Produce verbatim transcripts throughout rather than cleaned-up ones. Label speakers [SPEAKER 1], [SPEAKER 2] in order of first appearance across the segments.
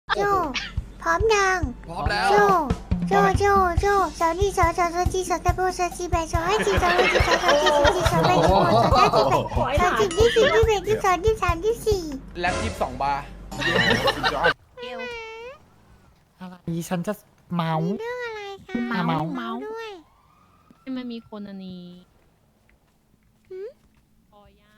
[SPEAKER 1] โจพร้อมยัง
[SPEAKER 2] พร้อมแล้ว
[SPEAKER 1] โจโจโจโจสาวนี่สาวสาวสาวจีสาวตะโบสาวจีแบสาวให้จีสาวให้จีสาวสาวจีสาวจีสาวแบสาวสาวจีแบสาวจีที่สี่ที่แบที่สองที่สามที่สี่
[SPEAKER 2] แล็บยี่สิบสองบาร์
[SPEAKER 3] เอว
[SPEAKER 4] อะไรฉันจะเมา
[SPEAKER 1] เรื่องอะไรคะ
[SPEAKER 4] เมาเมา
[SPEAKER 1] เมาด้วย
[SPEAKER 3] มันมีคนอันนี้
[SPEAKER 1] หืม
[SPEAKER 3] พอย่า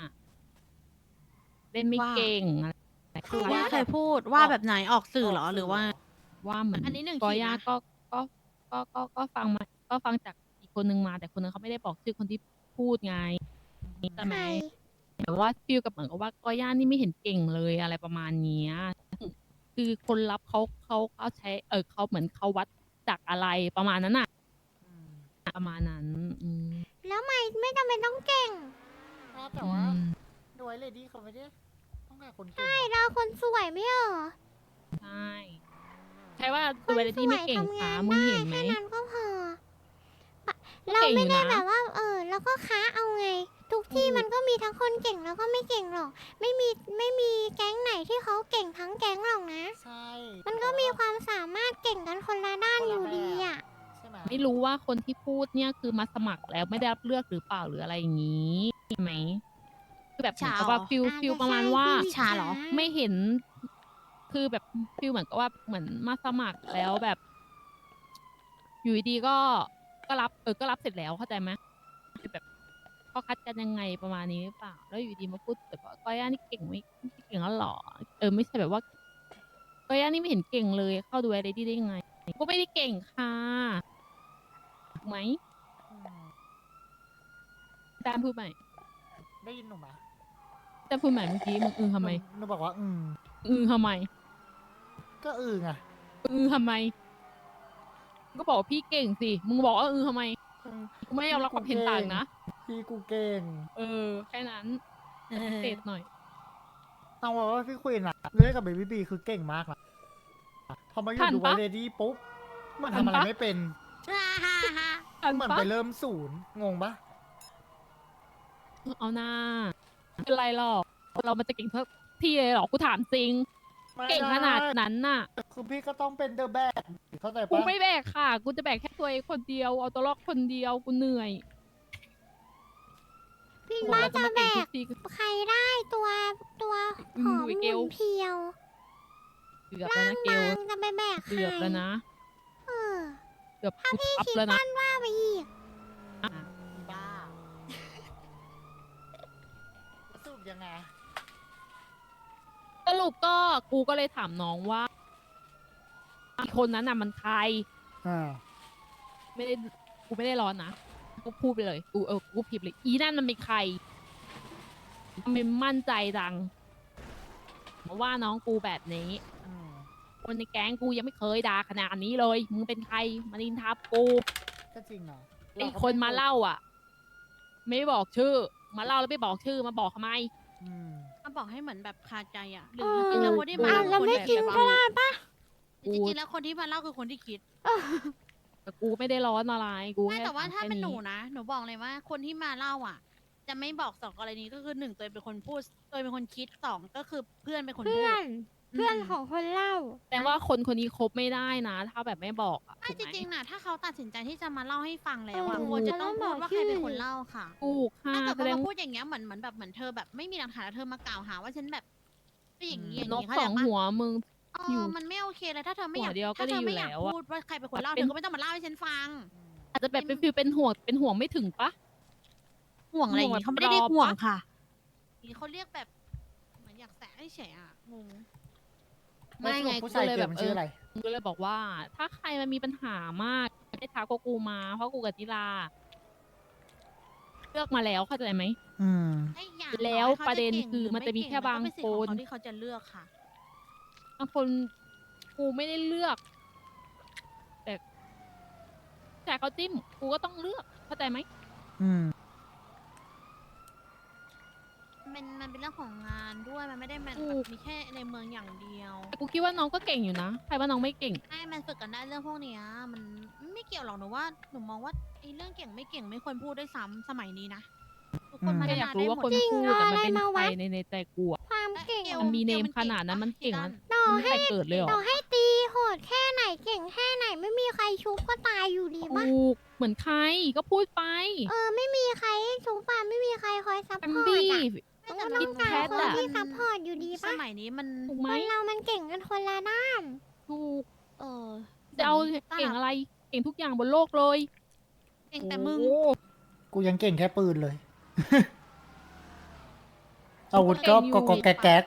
[SPEAKER 3] เล่นไม่เก่งอะไร
[SPEAKER 5] คือว่าเคยพูดว่าแบบไหนออกสื่อเหรอหรือว่า
[SPEAKER 3] ว่าเหมือน
[SPEAKER 5] อันนี้หนึ่ง
[SPEAKER 3] พ
[SPEAKER 5] ขีดนะ
[SPEAKER 3] อย่าก็ก็ก็ก็ก็ฟังมาก็ฟังจากอีกคนนึงมาแต่คนนึงเขาไม่ได้บอกชื่อคนที่พูดไงใช่ไหมแต่ว่าฟิลกับเหมือนกับว่าก็ย่านี่ไม่เห็นเก่งเลยอะไรประมาณเนี้ยคือคนรับเขาเขาเขาใช้เออเขาเหมือนเขาวัดจากอะไรประมาณนั้นน่ะประมาณนั้นอืม
[SPEAKER 1] แล้วไม่ไม่จำเป็นต้องเก่ง
[SPEAKER 4] แต่ว่าดูไอ้เลดี้เขาไม่ได้ต้องการคนเก่ง
[SPEAKER 1] ใช่เราคนสวยไม่เหรอ
[SPEAKER 3] ใช่ใช่ว่า
[SPEAKER 1] ค
[SPEAKER 3] ตัวน เวล
[SPEAKER 1] ส
[SPEAKER 3] ที่
[SPEAKER 1] ว
[SPEAKER 3] ไม่
[SPEAKER 1] ย
[SPEAKER 3] เก่ง
[SPEAKER 1] ทำงา
[SPEAKER 3] ขาน มึง
[SPEAKER 1] ได้
[SPEAKER 3] เห็นไหม
[SPEAKER 1] แค่นั้นก็พอปะ
[SPEAKER 3] ก็
[SPEAKER 1] เรา
[SPEAKER 3] เก่ง
[SPEAKER 1] ไม่
[SPEAKER 3] อยู่
[SPEAKER 1] ได้
[SPEAKER 3] นะ
[SPEAKER 1] แบบว่า เออแล้วก็ค้าเอาไง ทุกที่มันก็มีทั้งคนเก่งแล้วก็ไม่เก่งหรอก ไม่มีไม่มีแก๊งไหนที่เขาเก่งทั้งแก๊งหรอกนะ
[SPEAKER 4] ใช่
[SPEAKER 1] มันก็มีความสามารถเก่งกันคนละด้านอยู่ดีอ่ะ
[SPEAKER 4] ใช่ไหม
[SPEAKER 3] ไม่รู้ว่าคนที่พูดเนี่ยคือมาสมัครแล้วไม่ได้รับเลือกหรือเปล่าหรืออะไรอย่างนี้ใช่ไหมคือแบบเหมือนกับว่า
[SPEAKER 5] ฉาเหรอ
[SPEAKER 3] ฟิล
[SPEAKER 1] อาจจะ
[SPEAKER 3] ฟิลประมาณว่า
[SPEAKER 1] ใช่พี่
[SPEAKER 5] ชาเหรอ
[SPEAKER 3] ไม่เห็น คือแบบฟิลเหมือนกับว่าเหมือนมาสมัครแล้วแบบ อยู่ดีๆก็ก็รับเออก็รับเสร็จแล้วเข้าใจไหมคือแบบเขาคัดกันยังไงประมาณนี้หรือเปล่า แล้วอยู่ดีมาพูดแบบว่าก้อยย่านี่เก่งไม่ไม่เก่งแล้วหรอเออไม่ใช่แบบว่าก้อยย่านี่ไม่เห็นเก่งเลย เข้าดูอะไรได้ได้ยังไงก็ไม่ได้เก่งค่ะถูกไหม
[SPEAKER 4] อืม
[SPEAKER 3] แตมพูดใหม่
[SPEAKER 4] ได้ยินหนูไหม
[SPEAKER 3] แตมพูดใหม่เมื่อกี้มึงอือทำไม
[SPEAKER 4] หนูหนูบอกว่า อืม
[SPEAKER 3] อือทำไม
[SPEAKER 4] ก็อือไง
[SPEAKER 3] อือทำไมมึงก็บอกว่าพี่เก่งสิมึงบอกว่าอือทำไมกูไม่ยอมรับความเห็นต่างนะ
[SPEAKER 4] พี่กูเก่ง
[SPEAKER 3] เออแค่นั้นเศษหน่อย
[SPEAKER 4] ต้องบอกว่าพี่ควีนอะเล่นกับเบบี้บีคือเก่งมากนะพอมาอยู่
[SPEAKER 3] ทัน
[SPEAKER 4] ดู
[SPEAKER 3] ปะ
[SPEAKER 4] ไวเลดี้ปุ๊บมัน
[SPEAKER 3] ทัน
[SPEAKER 4] ทำอะไร
[SPEAKER 3] ปะ
[SPEAKER 4] ไม่เป็น
[SPEAKER 3] อัน
[SPEAKER 4] เหมือน
[SPEAKER 3] ปะ
[SPEAKER 4] ไปเริ่มศูนย์งงปะ
[SPEAKER 3] เอาหน้าไม่เป็นไรหรอกเรามันจะเก่งทุกที่เลยหรอกูถามจริง
[SPEAKER 4] ไม่
[SPEAKER 3] เก่งขนาด
[SPEAKER 4] ไ
[SPEAKER 3] นั้นน่ะ
[SPEAKER 4] คือพี่ก็ต้องเป็นเดอะแบกเข้าใจ
[SPEAKER 3] กู
[SPEAKER 4] ปะ
[SPEAKER 3] ไม่แบกค่ะ กูจะแบกแค่ตัวเองคนเดียวเอาตัวรอดคนเดียวกูเหนื่อย
[SPEAKER 1] พี่
[SPEAKER 3] กู
[SPEAKER 1] ว่า
[SPEAKER 3] เราจะ
[SPEAKER 1] จะ
[SPEAKER 3] มา
[SPEAKER 1] แบ
[SPEAKER 3] เก่งทุ
[SPEAKER 1] ก
[SPEAKER 3] กที
[SPEAKER 1] ใครได้ตัวตัวหอม
[SPEAKER 3] อืม
[SPEAKER 1] ห
[SPEAKER 3] เกล
[SPEAKER 1] มุนเพรียว
[SPEAKER 3] เกือบแล้วนะเกล
[SPEAKER 1] บางจะไปแบกใคร
[SPEAKER 3] เกือบแล้วนะ
[SPEAKER 1] เออ
[SPEAKER 3] เกือบ
[SPEAKER 1] ถ้า
[SPEAKER 3] กู
[SPEAKER 1] พี่
[SPEAKER 3] ทับ
[SPEAKER 1] คิด
[SPEAKER 3] แล้วนะ
[SPEAKER 1] สั้นว่าไปอีก
[SPEAKER 4] บ้าสรุปยังไง
[SPEAKER 3] สรุปก็กูก็เลยถามน้องว่าอีกคนนั้นน่ะมันใคร
[SPEAKER 4] อ่า
[SPEAKER 3] ไม่ได้กูไม่ได้ร้อนนะกูพูดไปเลยกูเออกูพิมพ์เลยอีนั่นมันเป็นใครทำไมมั่นใจจังมาว่าน้องกูแบบนี้
[SPEAKER 4] อืม
[SPEAKER 3] คนในแก๊งกูยังไม่เคยด่าขนาดนี้เลยมึงเป็นใครมานินทับกู
[SPEAKER 4] ก็จริงเนาะ
[SPEAKER 3] ไอ้คนมาเล่าอ่ะ ไม่บอกชื่อ มาเล่าแล้วไม่บอกชื่อมาบอกทำไม
[SPEAKER 4] อืม
[SPEAKER 5] มาบอกให้เหมือนแบบคาใจอ่ะหรือ
[SPEAKER 1] เออ
[SPEAKER 5] จริงๆแล้วคนที่มา
[SPEAKER 1] อ่ะ
[SPEAKER 5] เล่า
[SPEAKER 1] แล้ว
[SPEAKER 5] คือคน
[SPEAKER 1] ไม่
[SPEAKER 5] ที่
[SPEAKER 1] จริ
[SPEAKER 5] คิ
[SPEAKER 1] ง
[SPEAKER 5] ด
[SPEAKER 1] ก็ได้ปะ
[SPEAKER 3] กู
[SPEAKER 5] จริงๆแล้วคนที่มาเล่าคือคนที่คิด
[SPEAKER 3] แต่กูไม่ได้ร้อนอะไรกู
[SPEAKER 5] ไม่
[SPEAKER 3] ค่
[SPEAKER 5] แต่ว่าถ้า
[SPEAKER 3] แค่
[SPEAKER 5] เป็นหนูนะหนูบอกเลยว่า คนที่มาเล่าอ่ะ จะไม่บอกสองกรณีก็คือหนึ่งตัวเองเป็นคนพูดตัวเองเป็นคนคิดสองก็คือเพื่อนเป็นคนพู
[SPEAKER 1] เพื่อ
[SPEAKER 5] ด
[SPEAKER 1] น เพื่อนของคนเล่า
[SPEAKER 3] แต่ว่าคนคนนี้คบไม่ได้นะ ถ้าแบบไม่บอกอะ
[SPEAKER 5] ไม่
[SPEAKER 3] ถูก
[SPEAKER 5] จ
[SPEAKER 3] ไหม
[SPEAKER 5] ริงๆนะถ้าเขาตัดสินใจที่จะมาเล่าให้ฟังแล้วอ่ะ
[SPEAKER 1] เออ
[SPEAKER 5] ควรจะต้อง
[SPEAKER 1] จะต้
[SPEAKER 5] พู
[SPEAKER 1] อง
[SPEAKER 5] ด
[SPEAKER 1] บอก
[SPEAKER 5] ว่าใครเป็น
[SPEAKER 1] ชื่อ
[SPEAKER 5] คนเล่าค่ะ
[SPEAKER 3] ถูกค่ะ
[SPEAKER 5] ถ้าเกิด
[SPEAKER 3] แส
[SPEAKER 5] ว่า
[SPEAKER 3] ดง
[SPEAKER 5] มาพูดอย่างเงี้ยเหมือนเหมือนแบบเหมือนเธอแบบไม่มีหลักฐานแล้วเธอมากล่าวหาว่าฉันแบบเป็นอย่างนี้อย่าง
[SPEAKER 3] นก
[SPEAKER 5] นี้เข้า
[SPEAKER 3] ส
[SPEAKER 5] ใจ
[SPEAKER 3] อง
[SPEAKER 5] ปะ
[SPEAKER 3] หัวมึง
[SPEAKER 5] เอ
[SPEAKER 3] อยู่
[SPEAKER 5] อมันไม่โอเคเลยถ้าเธอไม่อยาก
[SPEAKER 3] หัวเดียวก็
[SPEAKER 5] ถ้าเธอ
[SPEAKER 3] ดีอยู่
[SPEAKER 5] ไม่อยาก
[SPEAKER 3] แล้วอะ
[SPEAKER 5] พูดว่าใครเป็นคนเล่า
[SPEAKER 3] เป็
[SPEAKER 5] เธ
[SPEAKER 3] น
[SPEAKER 5] อก็ไม่ต้องมาเล่าให้ฉันฟัง
[SPEAKER 3] อาจจะแบบเป็นฟิลเป็นห่วงเป็นห่วงไม่ถึงปะ
[SPEAKER 5] ห่วงอะไรอย่างงี้
[SPEAKER 3] ห่
[SPEAKER 5] เขา
[SPEAKER 3] วง
[SPEAKER 5] ไม่ได้เรีย
[SPEAKER 3] ร
[SPEAKER 5] ก
[SPEAKER 3] อ
[SPEAKER 5] ห่วง
[SPEAKER 3] ปะ
[SPEAKER 5] ค่ะนี่เขาเรียกแบบเหมือนอยากแสะให้เฉยอ่ะงง
[SPEAKER 3] ไม่ไง
[SPEAKER 4] ผู้
[SPEAKER 3] กู
[SPEAKER 4] ชาย
[SPEAKER 3] เลย
[SPEAKER 4] เกิ
[SPEAKER 3] แบ
[SPEAKER 4] ด
[SPEAKER 3] บ
[SPEAKER 4] มัน
[SPEAKER 3] เอ
[SPEAKER 4] ชื่อ
[SPEAKER 3] อ
[SPEAKER 4] อะไร
[SPEAKER 3] กูก็เลยบอกว่า ถ้าใครมันมีปัญหามากให้ทักพวกกูมา เพราะกูกับนิลาเลือกมาแล้วเข้าใจไหม
[SPEAKER 4] อืม
[SPEAKER 5] ไอ้อย่าง
[SPEAKER 3] แล้ว
[SPEAKER 5] ต่อให้ขา
[SPEAKER 3] ประเด็น
[SPEAKER 5] ก่ง
[SPEAKER 3] คือ
[SPEAKER 5] หรื
[SPEAKER 3] มันจะมี
[SPEAKER 5] ไเก่
[SPEAKER 3] แค่บาง
[SPEAKER 5] ก็เป็สิทธิ์
[SPEAKER 3] คน
[SPEAKER 5] ของเขาที่เขาจะเลือกค่ะ
[SPEAKER 3] บางคนกูไม่ได้เลือก แต่แต่เขาจิ้มกูก็ต้องเลือกเข้าใจไหม
[SPEAKER 4] อืม
[SPEAKER 5] มันมันเป็นเรื่องของงานด้วยมันไม่ได้มัน
[SPEAKER 3] ถู
[SPEAKER 5] แบบ
[SPEAKER 3] ก
[SPEAKER 5] มีแค่ในเมืองอย่างเดียว
[SPEAKER 3] แต่กูคิดว่าน้องก็เก่งอยู่นะใครว่าน้องไม่เก่ง
[SPEAKER 5] ใช่มันฝึกกันได้เรื่องพวกเนี้ยมันไม่เกี่ยวหรอกหนูว่าหนูมองว่าไอ้เรื่องเก่งไม่เก่งไม่ควรพูดด้วยซ้ำสมัยนี้นะทุกคน
[SPEAKER 4] อืม
[SPEAKER 5] พั
[SPEAKER 3] แค่
[SPEAKER 5] ฒ
[SPEAKER 3] อยาก
[SPEAKER 5] นา
[SPEAKER 3] รู้
[SPEAKER 5] ได้
[SPEAKER 3] ว่า
[SPEAKER 5] หม
[SPEAKER 3] ค
[SPEAKER 5] ด
[SPEAKER 3] นพูดแต่มันเป็น
[SPEAKER 1] เอาอะไรมา
[SPEAKER 3] ใคร
[SPEAKER 1] วัด
[SPEAKER 3] ในในใจกูอะ
[SPEAKER 1] ความเก่ง
[SPEAKER 5] และ
[SPEAKER 3] มันมี
[SPEAKER 5] กล
[SPEAKER 3] เนม
[SPEAKER 5] ก่ง
[SPEAKER 3] ขนาดนั้นมันเก่ง
[SPEAKER 5] ปะ
[SPEAKER 3] มัน
[SPEAKER 1] ต่อ
[SPEAKER 3] ไม่มีใครเกิดเลยเหร
[SPEAKER 1] ต่
[SPEAKER 3] อ
[SPEAKER 1] อให้ตีโหดแค่ไหนเก่งแค่ไหนไม่มีใครชุบก็ตายอยู่ดีปะ
[SPEAKER 3] ถูกเหมือนใครก็พูดไป
[SPEAKER 1] เออไม่มีใครชุบปะไม่มีใครคอยซัพ
[SPEAKER 3] แอ
[SPEAKER 1] พ
[SPEAKER 3] ม
[SPEAKER 1] อร์ต
[SPEAKER 3] บี้
[SPEAKER 1] อะก็ต้องการ
[SPEAKER 3] คิด
[SPEAKER 1] คน
[SPEAKER 3] แพทอะ
[SPEAKER 1] ที่ซัพพอร์ตอยู่ดี
[SPEAKER 5] ส
[SPEAKER 1] ปะ
[SPEAKER 5] มัยนี้มัน
[SPEAKER 3] ถูก
[SPEAKER 1] ค
[SPEAKER 3] ไหม
[SPEAKER 1] นเรามันเก่งกันคนละด้าน
[SPEAKER 3] ถูก
[SPEAKER 5] เออ
[SPEAKER 3] จะเอาเก่งอะไร เก่งทุกอย่างบนโลกเลย
[SPEAKER 5] เก่งแต่มึง
[SPEAKER 3] โอ้
[SPEAKER 4] กูยังเก่งแค่ปืนเลย อาวุธก็ก็ก็แก๊กแก๊ก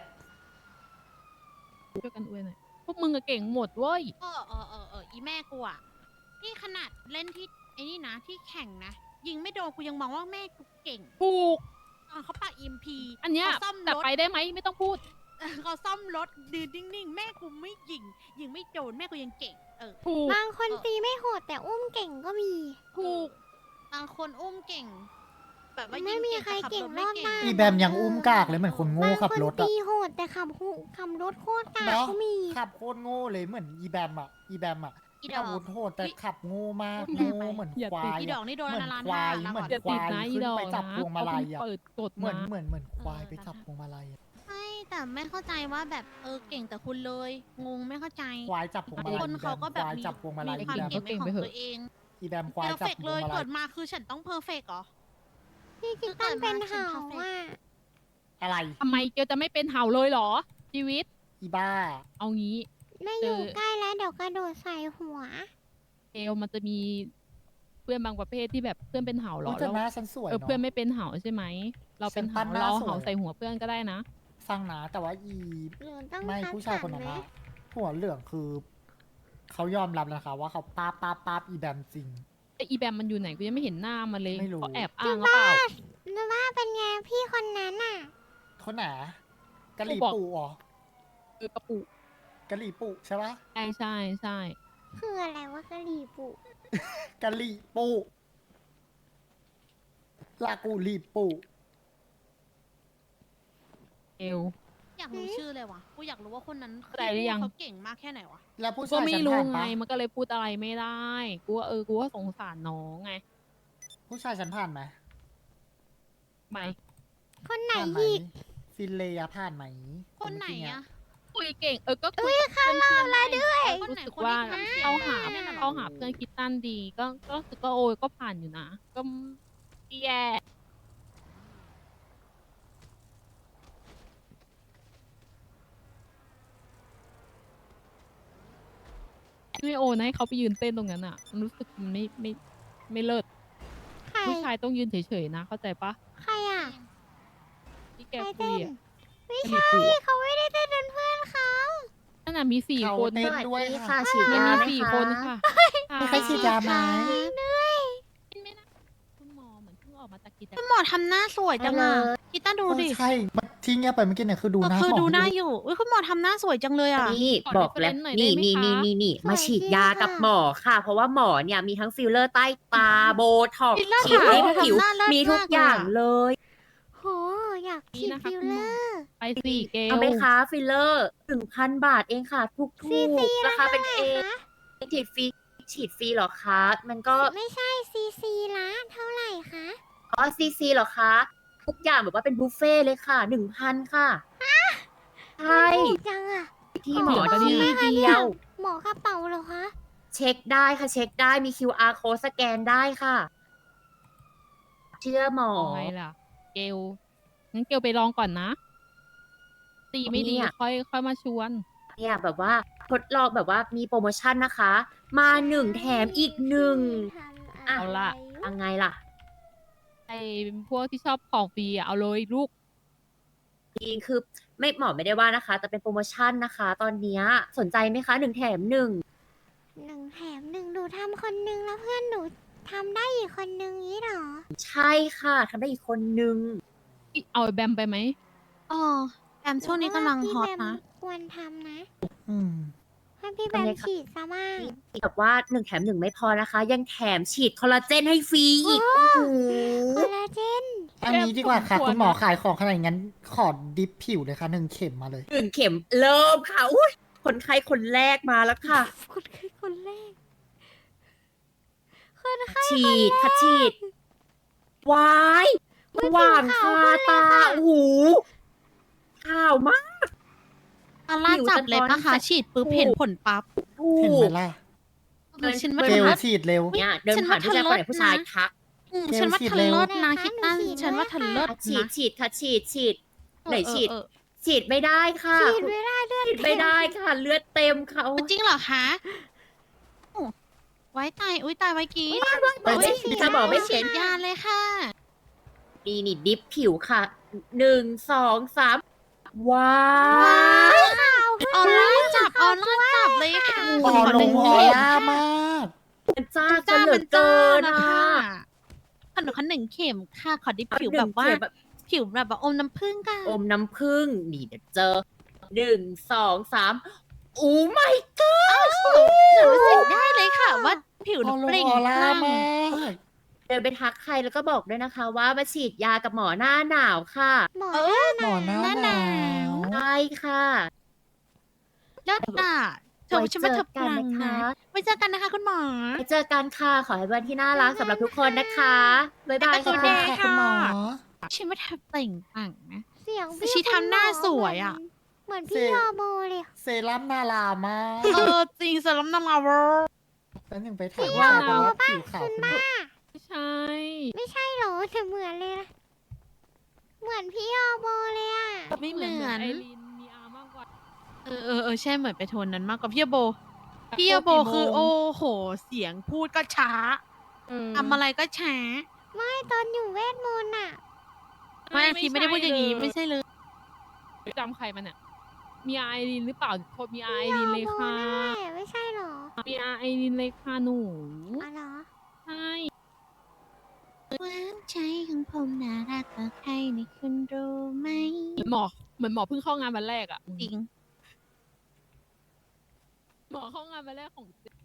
[SPEAKER 3] ช่วยกันอวยหน่อยพวกมึงอะเก่งหมดเว้ย
[SPEAKER 5] เออเออเออเอออีแม่กูอ่ะนี่ขนาดเล่นที่ไอ้นี่นะที่แข่งนะ ยิงไม่โดนกูยังมองว่าแม่กูเก่ง
[SPEAKER 3] ถูก
[SPEAKER 5] ตอนเขาปาอิมพี
[SPEAKER 3] อันเนี้ย
[SPEAKER 5] ซ่อม
[SPEAKER 3] แต่
[SPEAKER 5] รถ
[SPEAKER 3] ไปได้ไหมไม่ต้องพูด
[SPEAKER 5] เขาซ่อมรถดืนนิ่งๆ แม่กูไม่ยิง ยิงไม่โดนแม่กูยังเก่ง เออ
[SPEAKER 3] ถูก
[SPEAKER 1] บางคนตีไม่โหดแต่อุ้มเก่งก็มี
[SPEAKER 3] ถูก
[SPEAKER 5] บางคนอุ้มเก่ง แบบว่า
[SPEAKER 1] ไม่
[SPEAKER 5] ยิง
[SPEAKER 1] มี
[SPEAKER 5] เก่ง
[SPEAKER 1] ใคร
[SPEAKER 5] แต่ขับ
[SPEAKER 1] เก่ง
[SPEAKER 5] รถไม่
[SPEAKER 1] รอบหน้า
[SPEAKER 5] เก่ง
[SPEAKER 4] อีแบมยังอุ้มกากเลยเหมือนคนโง่
[SPEAKER 1] บาง
[SPEAKER 4] ขับ
[SPEAKER 1] คน
[SPEAKER 4] รถอะ
[SPEAKER 1] ตีโหดแต่ขับหุขับรถโคตรกาก
[SPEAKER 4] เนาะ
[SPEAKER 1] ก็มี
[SPEAKER 4] ขับโคตรโง่เลยเหมือนอีแบมอะอีแบมอะ
[SPEAKER 5] อีด
[SPEAKER 4] อา
[SPEAKER 5] อก
[SPEAKER 4] วุธโหดแต่ขับโง่มาก
[SPEAKER 5] พูดแรง
[SPEAKER 4] โง่
[SPEAKER 5] ไป
[SPEAKER 4] เหมือน
[SPEAKER 3] อย่า
[SPEAKER 4] ควา
[SPEAKER 3] ติด
[SPEAKER 4] ย
[SPEAKER 5] อีด
[SPEAKER 4] อะ
[SPEAKER 5] อกนี่โดน
[SPEAKER 4] เหมือน
[SPEAKER 5] ละล้าน
[SPEAKER 4] ควา
[SPEAKER 5] ห้าย ละ
[SPEAKER 4] เหมือน
[SPEAKER 5] ก่อน
[SPEAKER 3] อย่าติดนะ
[SPEAKER 4] ควาย
[SPEAKER 3] อีดอก
[SPEAKER 4] ขึ้นไปจับ
[SPEAKER 3] นะ
[SPEAKER 4] พวงมาลัยอะ
[SPEAKER 3] เขาเพิ่งเปิดกฎ
[SPEAKER 4] เหมือน
[SPEAKER 3] มา
[SPEAKER 4] เหมือนเหมือนควาย
[SPEAKER 5] เออ
[SPEAKER 4] ไปจับพวงมาลัยอะ
[SPEAKER 5] ใช่แต่ไม่เข้าใจว่าแบบเออเก่งแต่คุณเลย งงไม่เข้าใจ
[SPEAKER 4] ควายจับพวงมาลัย
[SPEAKER 5] คนเขาก็แบบ
[SPEAKER 4] ควาย
[SPEAKER 5] มี
[SPEAKER 4] จับพวงมาลัย
[SPEAKER 5] มี
[SPEAKER 4] อี
[SPEAKER 5] ความ
[SPEAKER 4] แบม
[SPEAKER 5] เก่งเป็นของตัวเอง
[SPEAKER 4] อีแบมควา
[SPEAKER 5] เพ
[SPEAKER 4] ย
[SPEAKER 5] อร์
[SPEAKER 4] จับ
[SPEAKER 5] เฟก
[SPEAKER 4] พว
[SPEAKER 5] เล
[SPEAKER 4] ง
[SPEAKER 5] ย
[SPEAKER 4] มาลั
[SPEAKER 5] เกิ
[SPEAKER 4] ย
[SPEAKER 5] ดมาคือฉันต้องเพอร์เฟกเหรอ
[SPEAKER 1] พี่คิดตั้นเป็นเห่าอ่ะ
[SPEAKER 4] อะไร
[SPEAKER 3] ทำไมเกียวจะไม่เป็นเห่าเลยเหรอ ชีวิต
[SPEAKER 4] อีบ้า
[SPEAKER 3] เอางี้
[SPEAKER 1] ไม่อยู่
[SPEAKER 3] เจอ
[SPEAKER 1] ใกล้แล้วเดี๋ยวกระโดดใส่หัว
[SPEAKER 3] เกลมันจะมีเพื่อนบางประเภทที่แบบเพื่อนเป็นเห่าเหร
[SPEAKER 4] อุ๊
[SPEAKER 3] อย
[SPEAKER 4] แต่
[SPEAKER 3] แล้ว
[SPEAKER 4] หน้าฉันสวย
[SPEAKER 3] เออ
[SPEAKER 4] เนาะ
[SPEAKER 3] เพื่อนไม่เป็นเห่าใช่ไหม เราเป็น
[SPEAKER 4] ฉันปั้
[SPEAKER 3] เห่าน
[SPEAKER 4] หน้า
[SPEAKER 3] เรา
[SPEAKER 4] สวย
[SPEAKER 3] เห่าใส่หัวเพื่อนก็ได้นะ
[SPEAKER 4] สร้างหนาแต่ว่าอี
[SPEAKER 1] หรือต้อง
[SPEAKER 4] ไม่
[SPEAKER 1] คัด
[SPEAKER 4] ผู้ชาย
[SPEAKER 1] สร
[SPEAKER 4] คนนั้น
[SPEAKER 1] ไหม
[SPEAKER 4] อะหัวเหลืองคือ เขายอมรับแล้วนะคะว่าเขาป้าบป้าบป้าบอีแบมจริง
[SPEAKER 3] ไออีแบมมันอยู่ไหนกูยังไม่เห็นหน้ามันเลย
[SPEAKER 4] ไม่รู้
[SPEAKER 3] เขาแอบอ้างหรือเปล่า
[SPEAKER 1] นึกว่าเป็นไงพี่คนนั้นอ่ะ
[SPEAKER 4] คนไหนกะหรี่
[SPEAKER 3] กูบอก
[SPEAKER 4] ปูอ๋อ
[SPEAKER 3] เออกระปุก
[SPEAKER 4] กะหรี่ปูใช่ปะ
[SPEAKER 3] ใช่ใช่ใช่
[SPEAKER 1] คืออะไรวะกะหรี่ปุ๊
[SPEAKER 4] กะหรี่ปูลากูหรี่ปู
[SPEAKER 3] เกล
[SPEAKER 5] อยากรู้ชื่อเลยว่ะ กูอยากรู้ว่าคนนั้น
[SPEAKER 3] เข้าใจหรือยัง
[SPEAKER 5] เขาเก่งมากแค่ไหนวะ
[SPEAKER 4] แล้วผู้
[SPEAKER 3] ก็
[SPEAKER 4] ชาย
[SPEAKER 3] ไม่
[SPEAKER 4] ฉัน
[SPEAKER 3] รู้
[SPEAKER 4] ผ่าน
[SPEAKER 3] ไง
[SPEAKER 4] ปะ
[SPEAKER 3] มันก็เลยพูดอะไรไม่ได้ กูว่าเออ กูว่าสงสารน้องไง
[SPEAKER 4] ผู้ชายฉันผ่านไหม
[SPEAKER 3] ไป
[SPEAKER 1] คนไหน
[SPEAKER 4] ผ่านไหม
[SPEAKER 1] อีก
[SPEAKER 4] ฟินเลยอะผ่านไหม
[SPEAKER 5] คนไหน
[SPEAKER 4] เมื่กี้เย
[SPEAKER 5] อะ
[SPEAKER 3] คุยเก่ง เออ ก็คุยกับเพื่อนเพื่อนได้
[SPEAKER 5] คนไหน
[SPEAKER 3] รู้สึก
[SPEAKER 5] คน
[SPEAKER 3] ว่า
[SPEAKER 5] ที่ทำเสียง
[SPEAKER 3] เขาหา
[SPEAKER 5] เนี่ยน่ะเหรอ
[SPEAKER 3] เขาหาเพื่อนคิดตันดี ก็ก็รู้สึกว่าโอ้ยก็ผ่านอยู่นะ ก็แย่ไม่โอนะให้เขาไปยืนเต้นตรงนั้นอ่ะมันรู้สึกมันไม่ไม่ไม่เลิศ
[SPEAKER 1] ใคร
[SPEAKER 3] ผู้ชายต้องยืนเฉยๆนะ เข้าใจปะ
[SPEAKER 1] ใครอ่ะ
[SPEAKER 3] ที่แก
[SPEAKER 1] ใคร
[SPEAKER 3] คุ
[SPEAKER 1] เต้
[SPEAKER 3] ย
[SPEAKER 1] น
[SPEAKER 3] อ่ะ
[SPEAKER 1] ไม่
[SPEAKER 3] จะมี
[SPEAKER 1] ใช่
[SPEAKER 3] ผัว
[SPEAKER 1] เขาไม่ได้เต้นเป็นเพื่อนเขา
[SPEAKER 3] นั่นน่ะมีสี่
[SPEAKER 4] เขา
[SPEAKER 3] คน
[SPEAKER 4] เต้น
[SPEAKER 3] ค่ะ
[SPEAKER 4] ด้วย
[SPEAKER 2] ค่ะ
[SPEAKER 4] ค่ะ
[SPEAKER 2] ฉีด
[SPEAKER 3] มัน
[SPEAKER 2] ยา
[SPEAKER 3] มี
[SPEAKER 2] ไหม
[SPEAKER 3] สี่
[SPEAKER 2] คะ
[SPEAKER 3] คนค่ะ
[SPEAKER 4] มีใครฉีดยาไหม
[SPEAKER 3] ไม่นะคุณหมอเหมือนเพิ่งออกมาจากกิจกร
[SPEAKER 5] คุ
[SPEAKER 3] ร
[SPEAKER 5] ณ
[SPEAKER 3] ม
[SPEAKER 5] หมอทำหน้าสวยจังอะกีต้าดูดิ
[SPEAKER 4] ใช่มันที่เงียบไปเมื่อกี้เนี่ยคือดูหน้า
[SPEAKER 5] คือ
[SPEAKER 4] หมอ
[SPEAKER 5] ดูหน้า
[SPEAKER 4] ที่
[SPEAKER 5] อยู่อุ้ยคุณหมอทำหน้าสวยจังเลยอะ
[SPEAKER 2] นี่บอกแล้วนี่นี่นี่นี่นี่มาฉีดยากับหมอค่ะ เพราะว่าหมอเนี่ยมีทั้งฟิลเลอร์ใต้ตาโบท็อกซ์
[SPEAKER 5] ฟิลเลอร์
[SPEAKER 2] ฉีดให้
[SPEAKER 5] ขาว
[SPEAKER 2] ผิว
[SPEAKER 5] ทำหน้าเลิศ
[SPEAKER 2] มีทุก
[SPEAKER 5] มาก
[SPEAKER 2] อย่าง
[SPEAKER 5] เลยอะ
[SPEAKER 2] เลย
[SPEAKER 1] โห อยากฉีดฟิลเลอร์
[SPEAKER 3] ไปสี่เกล
[SPEAKER 2] เอาไหมคะฟิลเลอร์หนึ่งพันบาทเองค่ะถูก
[SPEAKER 1] ซี
[SPEAKER 2] ถู
[SPEAKER 1] ซี
[SPEAKER 2] กราคาเป็น
[SPEAKER 1] ละ
[SPEAKER 2] เอ
[SPEAKER 1] เท่าไหร่คะ
[SPEAKER 2] ฉีดฟรีฉีดฟรีเหรอคะ มันก็
[SPEAKER 1] ไม่ใช่ซีซีละเท่าไหร่คะ
[SPEAKER 2] อ๋อซีซีเหรอคะทุกอย่างแบบว่าเป็นบุฟเฟ่ต์เลยค่ะหนึ่งพันค่ะใช่
[SPEAKER 1] ถูกจังอ่ะ
[SPEAKER 2] ที่หมอ
[SPEAKER 1] ขอ
[SPEAKER 2] ที่
[SPEAKER 1] บอกนะคะ
[SPEAKER 2] เดี
[SPEAKER 1] เนี่ย
[SPEAKER 2] ยว
[SPEAKER 1] หมอกระเป๋าเหรอคะ
[SPEAKER 2] เช็คได้ค่ะเช็คได้มี คิว อาร์ code สแกนได้ค่ะ เชื่อหมอ
[SPEAKER 3] เอาไงล่ะ เกลงั้นเกลไปลองก่อนนะ ตีไม่ดี
[SPEAKER 2] เนี่ย
[SPEAKER 3] ค่อยค่อยมาชวน
[SPEAKER 2] เนี่ยแบบว่าทดลองแบบว่ามีโปรโมชั่นนะคะ มาหนึ่งแถมอีกหนึ่ง อ่ะ
[SPEAKER 3] เอาล่ะ
[SPEAKER 2] ยังไงล่ะ
[SPEAKER 3] ไอ้พวกที่ชอบของฟรีอะเอาเลยลูก
[SPEAKER 2] จริงคือไม่หมอไม่ได้ว่านะคะ แต่เป็นโปรโมชั่นนะคะ ตอนเนี้ยสนใจไหมคะหนึ่งแถมหนึ่ง
[SPEAKER 1] หนึ่งแถมหนึ่งหนูทำคนหนึงแล้วเพื่อนหนูทำได้อีกคนนึงนี้เหรอ
[SPEAKER 2] ใช่ค่ะทำได้อีกคนนึง
[SPEAKER 3] เอาไอ้แบมไปไหม
[SPEAKER 5] อ๋อแอมช่วงนี้กำลังฮอตนะ
[SPEAKER 1] พี่แบมควรทำนะ
[SPEAKER 4] อืม
[SPEAKER 1] ให้พี่แบ
[SPEAKER 2] ทำ
[SPEAKER 1] ม
[SPEAKER 2] ไงคะ
[SPEAKER 1] ฉีดซะบ้าง
[SPEAKER 2] แบบว่าหนึ่งแถมหนึ่งไม่พอนะคะ ยังแถมฉีดคอลลาเจนให้ฟรีอีกโอ้โห
[SPEAKER 1] คอลลาเจน
[SPEAKER 4] อันนี้ดีกว่าค่ะ
[SPEAKER 3] สมควร
[SPEAKER 4] คุณหมอขายของขนาดนั้น ขอดิฟผิวเลยค่ะหนึ่งเข็มมาเลย
[SPEAKER 2] หนึ่งเข็มเริ่มค่ะอุ้ยคนไข้คนแรกมาแล้วค่ะ
[SPEAKER 1] คนคือคนแรก คนไข้
[SPEAKER 2] ฉีดค่ะฉีดวายหว่างคาตาโอ้โหข่าวมาก
[SPEAKER 5] ออร่าจับเลยปะคะฉีดปุ๊บเห็นผลปั๊บ
[SPEAKER 2] ถู
[SPEAKER 4] เห็นไหม
[SPEAKER 2] ก
[SPEAKER 4] ล่ะ
[SPEAKER 5] เออฉันว่า
[SPEAKER 4] เก
[SPEAKER 5] เธ
[SPEAKER 4] ล
[SPEAKER 5] อ
[SPEAKER 4] ฉีดเร็ว
[SPEAKER 2] เนี่ยเดินผ่านผู้ชายคนไหนผู้ชายทัก
[SPEAKER 5] อืม
[SPEAKER 4] เกล
[SPEAKER 5] ฉันว่า
[SPEAKER 4] ฉีด
[SPEAKER 5] เธอ
[SPEAKER 4] เร็ว
[SPEAKER 5] เลิศนะคิดตั้นฉันว่าเธอเลิศ
[SPEAKER 2] ฉีด
[SPEAKER 5] นะ
[SPEAKER 2] ฉีดค่ะฉีดฉีดไหน
[SPEAKER 5] เออ
[SPEAKER 2] ฉีด
[SPEAKER 5] เออ
[SPEAKER 2] ฉีดไม่ได้ค่ะ
[SPEAKER 1] ฉีดไม่ได้เลือด
[SPEAKER 2] ฉีดไม่ได้ค่ะ เลือดเต็มเขา
[SPEAKER 5] เออจริงเหรอคะโอ้ไว้ตายอุ้ยตายไว้กี้
[SPEAKER 2] ไปฉีดจะบอกไม่
[SPEAKER 5] ฉี
[SPEAKER 2] เช็
[SPEAKER 5] ด
[SPEAKER 2] น
[SPEAKER 5] ยาเลยค่ะ
[SPEAKER 2] ดีนี่ดิฟผิวค่ะหนึ่งสองสามว้าว
[SPEAKER 5] ออร่าจับออร่าจับเลยค่ะ
[SPEAKER 4] ออลงออร่ามาก
[SPEAKER 2] มันจ้า
[SPEAKER 5] มัน
[SPEAKER 2] จะ
[SPEAKER 5] จ้า
[SPEAKER 2] เหลื
[SPEAKER 5] มั
[SPEAKER 2] อน
[SPEAKER 5] จ้า
[SPEAKER 2] เกิน
[SPEAKER 5] นะ
[SPEAKER 2] นะคะ
[SPEAKER 5] ขนมขนหนึ่งเข็มค่ะ ขอดิบผิว
[SPEAKER 2] หนึ่
[SPEAKER 5] แบ
[SPEAKER 2] ง
[SPEAKER 5] บว่า
[SPEAKER 2] เข็มแบบ
[SPEAKER 5] ผิวแบบว่าอมน้ำผึ้งค่ะ
[SPEAKER 2] อมน้ำผึ้งนี่เดี๋ยวเจอหนึ่งสองสามโอ้ไม่
[SPEAKER 5] หนูรู้สึกได้เลยค่ะ ว่าผิวห
[SPEAKER 4] อ
[SPEAKER 5] นู
[SPEAKER 4] อล
[SPEAKER 5] เป
[SPEAKER 4] ง
[SPEAKER 5] ล่ง
[SPEAKER 4] ออ
[SPEAKER 5] ป
[SPEAKER 4] ร่า
[SPEAKER 5] ลั่ง
[SPEAKER 4] มาก
[SPEAKER 2] เดินไปทักใครแล้วก็บอกด้วยนะคะ ว่ามาฉีดยากับหมอหน้าหนาวค่ะ
[SPEAKER 1] หมอ
[SPEAKER 5] เออ
[SPEAKER 4] หมอหน้า
[SPEAKER 5] หน้า
[SPEAKER 4] ห
[SPEAKER 5] ห
[SPEAKER 4] นาน
[SPEAKER 5] าว
[SPEAKER 4] ว
[SPEAKER 2] ใช่ค่ะ
[SPEAKER 5] เลิศอ่ะเธอ
[SPEAKER 2] ไว้
[SPEAKER 5] ฉันว่าเธอ
[SPEAKER 2] เจ
[SPEAKER 5] ป
[SPEAKER 2] อกัน
[SPEAKER 5] ลัง
[SPEAKER 2] นะคะ
[SPEAKER 5] นะไว้เจอกันนะคะคุณหมอ
[SPEAKER 2] ไปเจอกันค่ะ ขอให้วันที่น่ารักสำหรับทุกคนนะคะบ๊ายบาย
[SPEAKER 5] ขอบคุณ
[SPEAKER 2] ค่ะ
[SPEAKER 5] ค่ะ
[SPEAKER 4] คุณหมอ
[SPEAKER 5] ฉันว่าเธอเปล่งปลั่งนะ
[SPEAKER 1] เสียง
[SPEAKER 5] แต่ชีทำหน้าสวยอะ
[SPEAKER 1] เหมือน
[SPEAKER 4] เสี
[SPEAKER 1] พี่
[SPEAKER 4] ยง
[SPEAKER 1] ยอโบเลย
[SPEAKER 4] เซรั่มนารามาก
[SPEAKER 5] เออจริงสลัมนามาเวอร์
[SPEAKER 4] แล้วหนึ่งไปถ่ายผู้ชายบอกว่าผิวขาวคุณหมอ
[SPEAKER 3] ไม่ใช่
[SPEAKER 1] ไม่ใช่เหรอแต่เหมือนเลยนะเหมือนพี่ยอโบเลยอ่ะ
[SPEAKER 5] ไม่เหมือน
[SPEAKER 3] ไอรีนมีอามากกว่า
[SPEAKER 5] เออเออเออใช่เหมือนไปโทนนั้นมากกว่าพี่โบ พี่โบคือโอ้โห เสียงพูดก็ช้าทำอะไรก็ช้า
[SPEAKER 1] ไม่ตอนอยู่เวทมนต์อ่ะ
[SPEAKER 5] ไม่พี่ไม่ได้พูดอย่างนี้ไม่ใช่เลย
[SPEAKER 3] จำใครมันอ่ะ มีไอรีนหรือเปล่าโทษมีไอรีนเลยค่ะ
[SPEAKER 1] นั่นแหละไม่ใช่เหรอ
[SPEAKER 3] มีไอรีนเลยค่ะหนู
[SPEAKER 1] อ๋อเหรอ
[SPEAKER 3] ใช่
[SPEAKER 5] หวานใจของผมน่ารักกว่าใครนี่คุณรู้ไหม
[SPEAKER 3] เหมือนหมอเหมือนหมอเพิ่งเข้างานวันแรกอ่ะ
[SPEAKER 5] จริง
[SPEAKER 3] หมอเข้างานวันแรกของ